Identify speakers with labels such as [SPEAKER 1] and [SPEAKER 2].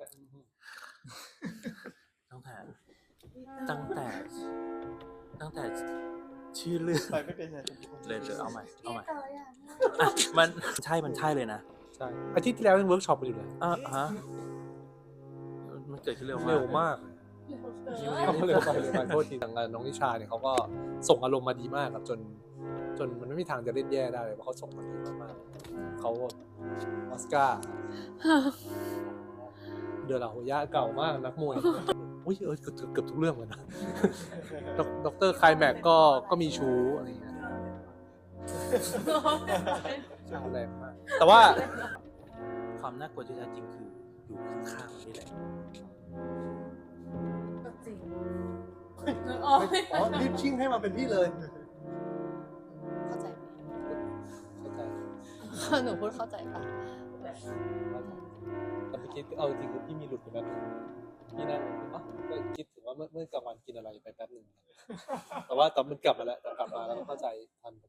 [SPEAKER 1] ตั้งแต่ตั้งแต่ตั้งแต่ชื่อเรื่อง
[SPEAKER 2] ไปไม่เป็นไร
[SPEAKER 1] เลยเอาใหม่อ่ะมันใช่เลยนะ
[SPEAKER 3] ใช่อาทิตย์ที่แล้วยังเวิร์กช็อปกันอยู่เลย
[SPEAKER 1] ฮะมันเกิดขึ้นเร็ว
[SPEAKER 3] เร็ว
[SPEAKER 1] มาก
[SPEAKER 3] มากเร็วไปโทษทีทางน้องนิชาเนี่ยเขาก็ส่งอารมณ์มาดีมากครับจนมันไม่มีทางจะเล่นแย่ได้เลยเพราะเขาส่งมาดีมากๆเขาออสการ์เดอลาโฮย่าเก่ามากนักมวยอุ้ยเกือบทุกเรื่องเลยนะด็อกเตอร์ไคลแม็กก็มีชูอะไรอย่างเงี้ยแรงมากแต่ว่า
[SPEAKER 1] ความน่ากลัวที่แท้จริงคืออยู่ข้างๆนี่แหละ
[SPEAKER 4] จริง
[SPEAKER 2] อ๋อรีบชิ่งให้มาเป็นพี่เลย
[SPEAKER 5] เข้าใจไหม
[SPEAKER 3] เข้าใจ
[SPEAKER 5] หนูพูดเข้าใจปะ
[SPEAKER 3] แต่เมื่อกี้เอาจริงคือพี่มีหลุดไปแป๊บนึงพี่นั่งก็คิดถึงว่าเมื่อกลางวันกินอะไรไปแป๊บนึงแต่ว่าตอนมันกลับมาแล้วแต่กลับมาแล้วก็เข้าใจทัน